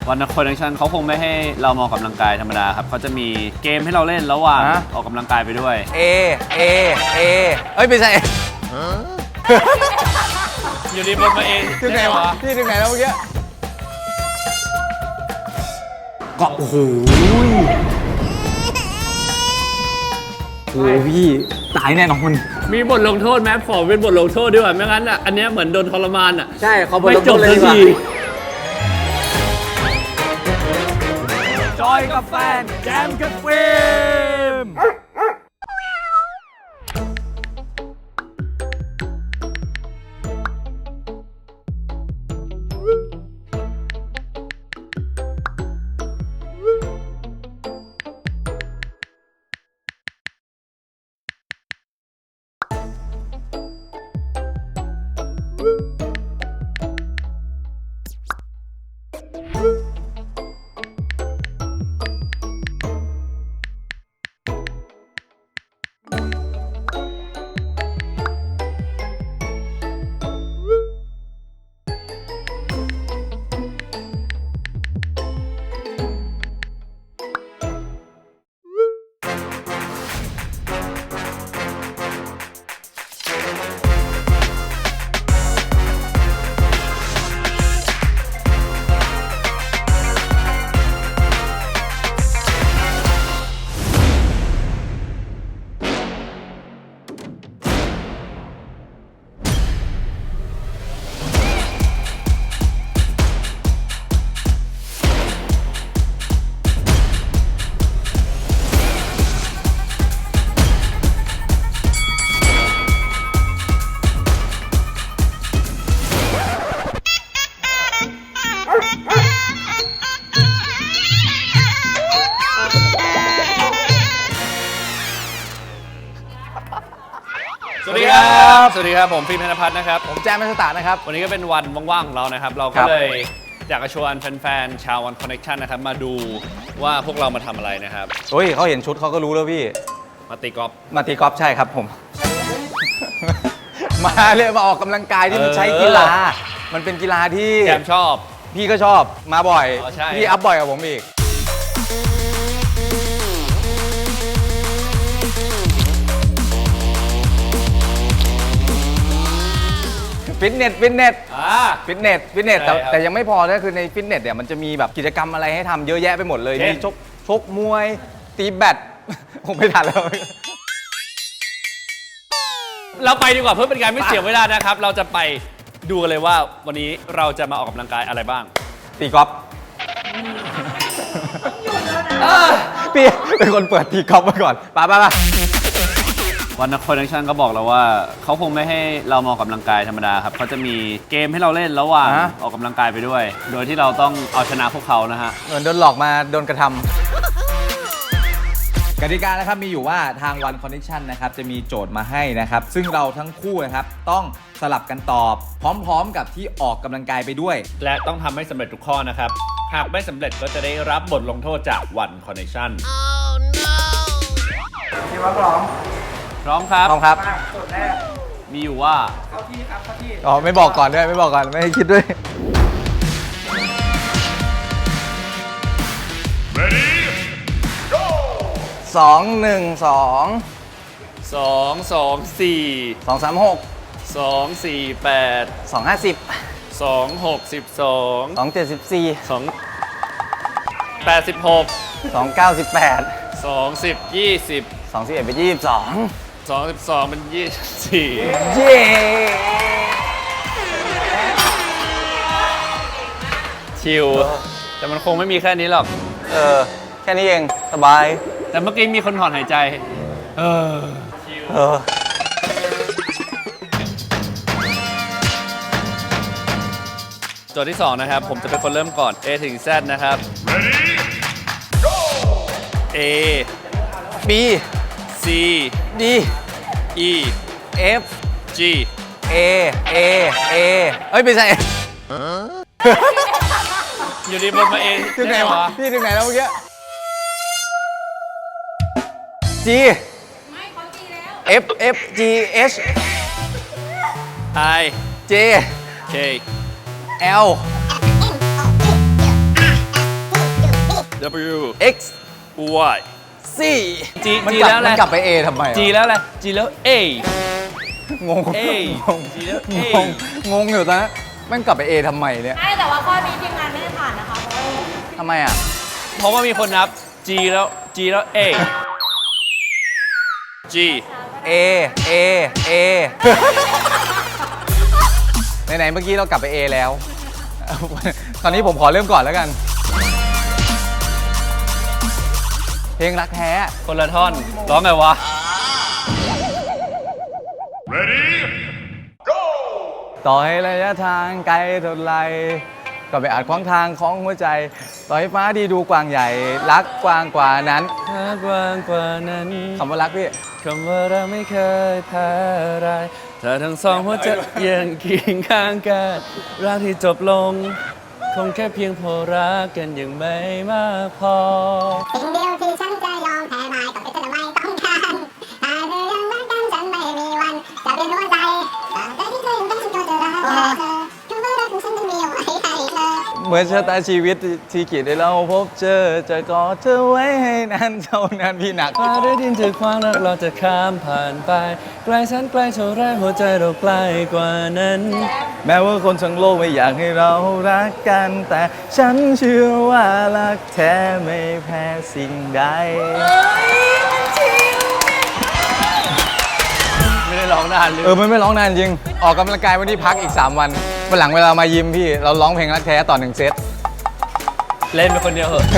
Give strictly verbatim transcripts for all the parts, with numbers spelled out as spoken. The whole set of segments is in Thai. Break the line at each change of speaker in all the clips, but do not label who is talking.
วันนักคอนเนคชั่นเขาคงไม่ให้เรามองกำลังกายธรรมดาครับเขาจะมีเกมให้เราเล่นระหว่างออกกำลังกายไปด้วย
เอเอเอเอ้ยไม่ใช่
อยู่ดีบนมาเอง
ถึงไหนวะพี่ถึงไหนแล้วเมื่อกี้ก็โอ้โหโอ้พี่ตายแน่นอน
มีบทลงโทษไหมขอเป็นบทลงโทษด้วยไม่งั้นอ่ะอันนี้เหมือนโดนทรมานอ่ะ
ใช่เขาบท
ไม่
ลง
จ
โท
บ
ษเลย
สัก
ดีกว่า
ทีจอยกับแฟนแจมกับฟิล์มสวัสดีครับสวัสดีครับผมฟิล์มธนภัทรนะครับ
ผมแจมมัสตาร์นะครับ
วันนี้ก็เป็นวันว่างๆของเรานะครับเรา
ค
ก็
รับ
เลยอยากจะชวนแฟนๆชาววันคอนเนคชั่นนะครับมาดูว่าพวกเรามาทำอะไรนะครับ
โอ้ยเขาเห็นชุดเขาก็รู้แล้วพี่
มาตีกอล์ฟ
มาตีกอล์ฟใช่ครับผม มาเลยมาออกกำลังกายที่มัน
เออ
ใช้กีฬา มันเป็นกีฬาที่
แจมชอบ
พี่ก็ชอบมาบ่อย
อ๋อใช่
พี่อัพบ่อยกว่าผมอีกฟิตเนสฟิตเนส
อ่า
ฟิตเนสฟิตเนส
ใช่
แต่
ครับ
แต่ยังไม่พอนะคือในฟิตเนสเนี่ยมันจะมีแบบกิจกรรมอะไรให้ทำเยอะแยะไปหมดเลย
เช่น
มีชกชกมวย ตีแบด ผมไม่ทันแล้ว
เราไปดีกว่าเพื่อเป็นการไม่เสียเวลานะครับ เราจะไปดูกันเลยว่าวันนี้เราจะมาออกกำลังกายอะไรบ้าง
ตีกอล์ฟพี่เป็นคนเปิดตีกอล์ฟมาก่อนไปไปไป
วันนักคอนเนคชั่นก็บอกเราว่าเขาคงไม่ให้เรามองกำลังกายธรรมดาครับเขาจะมีเกมให้เราเล่นระหว่างออกกำลังกายไปด้วย โดยที่เราต้องเอาชนะพวกเขานะฮะ
เหมือนโดนหลอกมาโดนกระทำกติกานะครับมีอยู่ว่าทาง One Connection นะครับจะมีโจทย์มาให้นะครับซึ่งเราทั้งคู่นะครับต้องสลับกันตอบพร้อมๆกับที่ออกกำลังกายไปด้วย
และต้องทำให้สำเร็จทุกข้อนะครับ หากไม่สำเร็จก็จะได้รับบทลงโทษจาก One Connection
พี่ว่าพร้อม
พร้อมครับ
พร้อมครับ
มาสุดแรก
มีอยู่ว่า
เข้าที่ครับเข้าที่
อ๋อไม่บอกก่อนด้วยไม่บอกก่อนไม่ให้คิดด้วยสองหนึ่งสอง
สองสองสี่
สองสามหก
สองสี่แปด
สองห้าสิบ
สองหกสิบสอง
สองเจ็ดสิบสี่
สองแปดสิบหก
สองเก้าสิบแปด
สองสิบยี่สิบ
สองสิบเอ็ดเป็นยี่สิบสอง
สองสิบสองเป็นยี่สิบสี่
เย้
ชิลแต่มันคงไม่มีแค่นี้หรอก
เออแค่นี้เองสบาย
แต่เมื่อกี้มีคนถอนหายใจ เออ
เออ
โจทย์ที่สองนะครับ ผมจะเป็นคนเริ่มก่อน A ถึง Z นะครับ A
B
C
D
E
F
G
A A A เอ้ยไม่ใช่
อยู่ดีบนมา A
ถึงไหนวะพี่ถึงไหนแล้วเมื่อกี้ G
ไม่เขาจีแล้ว
F F G H
I
J
K
L
W
X
Y
C
G
มัน
G
กลับ
แล้วอะไร
มันกลับไป A ทำไมวะ
G แล้วอะไร G แล้ว A
งง
A
งง
G แล้ว A
งงงงอยู่ตอนนั้นมันกลับไป A ทำไมเนี่ย
ใช่แต่ว่าข้อนี้ทีมงานไม่ได้ผ่านนะคะเพราะว่า
ทำไมอ่ะ
เพราะว่ามีคนนับ G แล้ว G แล้ว A G
A A A ไหนๆเมื่อกี้เรากลับไป A แล้ว ตอนนี้ผมขอเริ่มก่อนแล้วกัน เพลงรักแท้
คนละท่อนร้องไงวะ
ต่อให้ระยะทางไกลเท่าไรก็ไปอาจขวางทางของหัวใจ ต่อให้ฟ้าดีดูกว้างใหญ่ รักกว้างกว่านั้น
รักกว้างกว่านั้น
คำว่ารักพี่
คำว่าเราไม่เคยแพ้อะไรถ้าทั้งสองหัวใจยังเคียงข้างกันรักที่จบลง คงแค่เพียงพอรักกันยังไม่มากพอ
สิ่งเดียวที่ฉันจะยอมแพ้ไม่ต้องเป็นเธอไม่ต้องการหากเธอยังรักกันฉันไม่มีวันจะเปลี่ยนหัวใจแต่ที่เธอยังต้องฉันก็จะรักเธอคือว่ารักของฉันจะมีเอาไว้ให้เธอ
เหมือนชะตาชีวิตที่ขีดให้เราพบเจอ จะกอดเธอไว้ให้นานเท่านั้นพี่หนัก
ฟ้าได้ดินถึงความรักเราจะข้ามผ่านไปไกลแสนไกลเท่าไรหัวใจเราใกล้กว่านั้น
แม้ว่าคนทั้งโลกไม่อยากให้เรารักกัน แต่ฉันเชื่อว่ารักแท้ไม่แพ้สิ่งใด
ไม่ได้ร้องนานเลย
เออมันไม่ร้องนานจริง ออกกำลังกายวันนี้พักอีก สาม วันวันหลังเวลามายิมพี่ เราร้องเพลงรักแท้ต่อหนึ่งเซต
เล่นเป็นคนเดียวเหอะ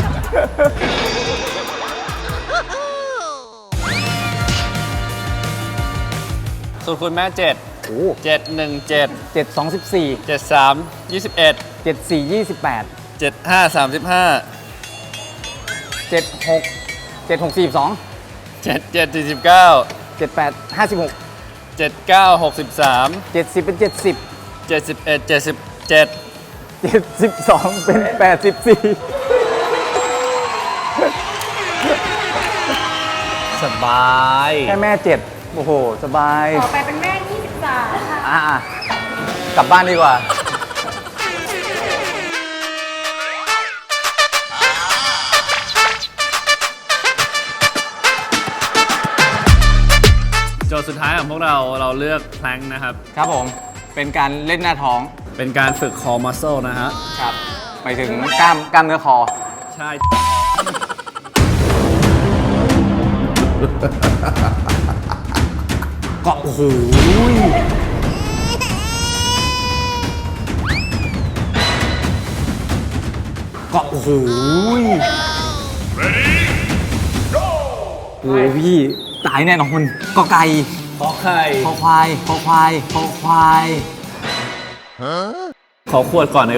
ส่วนคุณแม่เจ็ด
โอ้
เจ็ดหนึ่งเจ็ด
เจ็ดสองสิบสี่
เจ็ดสามยี่สิบเอ็ด
เจ็ดสี่ยี่สิบแปด
เจ็ดห้าสามสิบห้า
เจ็ดหกเจ็ดหกสี่สอง
เจ็ดเจ็ดสี่สิบเก้า
เจ็ดแปดห้าสิบหก
เจ็ดเก้าหกสิบสาม
เจ็ดสิบเป็นเจ็ดสิบ
เจ็ดสิบเอ็ดเจ็ดสิบเจ็ด
เจ็ดสิบสองเป็นแปดสิบสี่
สบาย
แค่แม่เจ็ดโอ้โห สบาย
ต่อไปเป็นแม่ยี่สิบสามค่ะ
อ่ะอ่ะกลับบ้านดีกว่า
โจทย์สุดท้ายของพวกเราเราเลือกแพลงนะครับ
ครับผม เป็นการเล่นหน้าท้อง
เป็นการฝึกคอมัสเซลนะฮะ
ครับหมายถึงกล้ามกล้ามเนื้อคอ
ใช่
ก็โอ้โหก็โอ้โหโอ้โหพี่ ตายแน่นอนก็ไก่
ขอไข่
คอควายคอควายคอควาย
ขอขวดก่อนเลย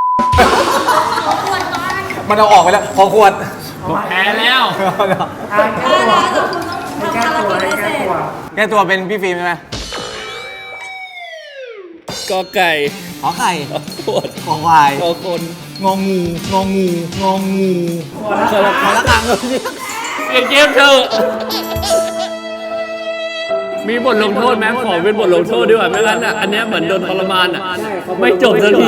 มันเอาออกไปแล้วคอขวด
แพ้แล้ว
อ่าแก้ตัว
แล้วแต่คุณต้อง
ให้
ทำ
แก้
ภาร
ตัว
กิจ
ให้
ให้เส
แก้
ร็จ
ตัว
แก้ตัวเป็นพี่ฟิล์มใช่ไหม
กอไก่
ขอไข่
ขอขวด
คอควาย
ขอคน
งองูงองูงองู
ขอละ
ขอละกัง
เปลี่ยนเกมเถอะมีบทลงโทษไหมขอเป็นบทลงโทษดีกว่าไม่งั้นอ่ะอันเนี้ยเหมือนโดนทรมานอ่ะไม่จบสักที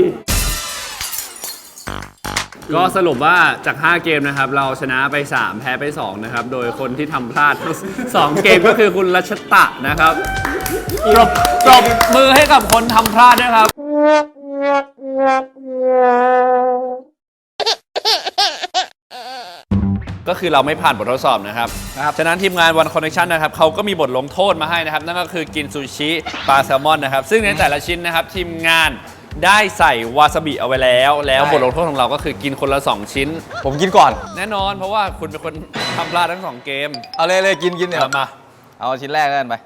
ก็สรุปว่าจาก ห้า เกมนะครับ เราชนะไป สาม แพ้ไป สอง นะครับ โดยคนที่ทำพลาดทั้งสองเกมก็คือคุณรัชตะนะครับปรบปรบมือให้กับคนทำพลาดด้วยครับ ก็คือเราไม่ผ่านบททดสอบนะครับ ฉะนั้นทีมงาน One Connection นะครับเขาก็มีบทลงโทษมาให้นะครับ นั่นก็คือกินซูชิปลาแซลมอนนะครับ ซึ่งในแต่ละชิ้นนะครับ ทีมงานได้ใส่วาซาบิเอาไว้แล้ว แล้วบทลงโทษของเราก็คือกินคนละ สอง ชิ้น
ผมกินก่อน
แน่นอนเพราะว่าคุณเป็นคนทำพลาดทั้งสองเกม
เอาเลยเลยกินกินเดี๋ยว
เอามา
เอาชิ้นแรกกันไป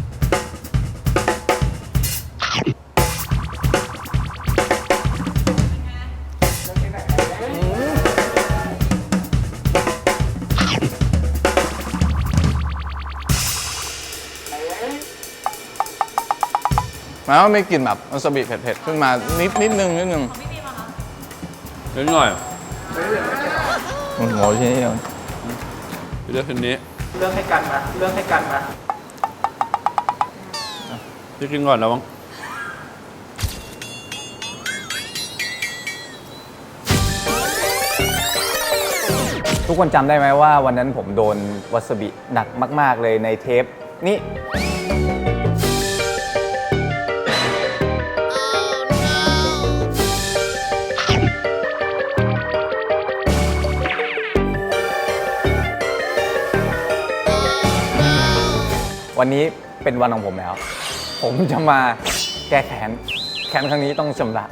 หมายว่าไม่กลิ่นแบบวาซาบิเผ็ดๆ ขึ้นมานิดนิดนึงนิดนึง
นิดหน่อย
โอ้โหชิ้นนี้เดียว
เลือกชิ้นนี้
เลือกให้กันมาเลือกให้กันมา
พี่กินก่อนแล้วมั้ง
ทุกคนจำได้ไหมว่าวันนั้นผมโดนวาซาบิหนักมากๆเลยในเทปนี้วันนี้เป็นวันของผมแล้ว ผมจะมาแก้แค้นแค้นครั้งนี้ต้องชำระ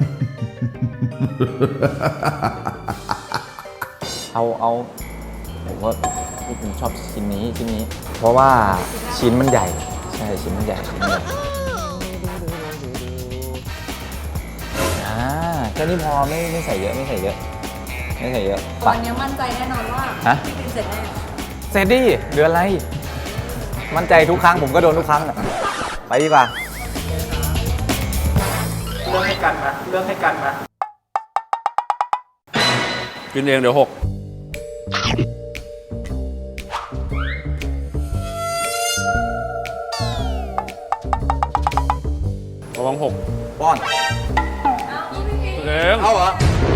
เอาเอาผมว่าผมชอบชิ้นนี้ชิ้นนี้ เพราะว่าชิ้นมันใหญ่ ใช่ชิ้นมันใหญ่ชิ้นมันใหญ่อ่าแค่นี้พอไม่ไม่ใส่เยอะไม่ใส่เยอะไม่ใส่เยอะไป
วันนี้มั่นใจแน่นอนว่า
ฮะ
พี่กินเสร็จแน่
เสร็จดิเหลืออะไร มั่นใจทุกครั้งผมก็โดนทุกครั้งอะไปดีกว่า
เรื่องให้กันมาเรื่องให้กันมา
กินเองเดี๋ยวหกระวังหก
ป้อน
เอง
เอาเหรอ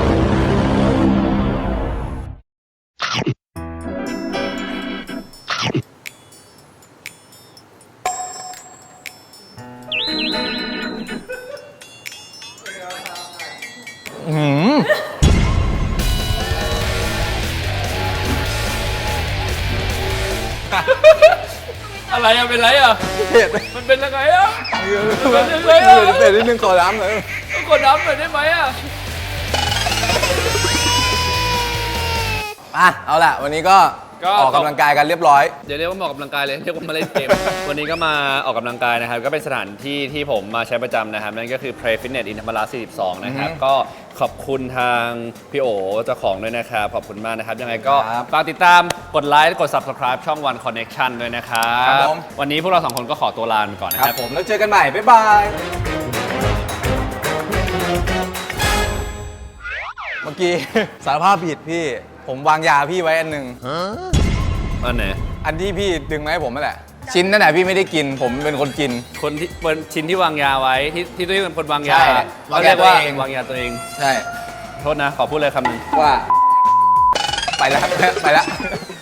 อืม
อะไรอะเป็นไรอะ
เผ็ด
มันเป็นยังไงอะ
เผ็ดเผ็ดเผ็ดนิดนึงขอน้ำหน่อย
ต้องกดน้ำหน่อยได้ไหมอะ
อ่ะเอาล่ะ วันนี้ก็ออกกำลังกายกันเรียบร้อย
เดี๋ยวเรียกว่ามาออกกำลังกายเลยเรียกว่ามาเล่นเกม วันนี้ก็มาออกกำลังกายนะครับ ก็เป็นสถานที่ที่ผมมาใช้ประจำนะครับ นั่นก็คือ Play Fitness อินธรรมราสี่สิบสองนะครับ
อือฮึ
ก็ขอบคุณทางพี่โอเจ้าของด้วยนะครับ ขอบคุณมากนะครับ ยังไงก็
ครับ
ฝากติดตามกดไลค์กด Subscribe ช่อง One Connection ด้วยนะครับ
ครับผม
วันนี้พวกเราสองคนก็ขอตัวลาไปก่อนนะ
ค
ค
รั
รั
บบ ผมแล้วเจอกันใหม่ บ๊ายบาย เมื่อกี้ สารภาพผิดพี่ ผมวางยาพี่ไว้อันหนึ่ง
อันไหน
อันที่พี่ดึงมาให้ผมนั่นแหละ ชิ้นนั่นแหละพี่ไม่ได้กิน ผมเป็นคนกิน
คนที่เป็นชิ้นที่วางยาไว้ที่ที่ตัวเองเป็นคนวางยา
ใช่
เขาเรียกว่าว
างยาตัวเอง
วางยาตัวเอง
ใช่
โทษนะ ขอพูดเลยคำหนึ่ง
ว่า ไปแล้ว ไปแล้ว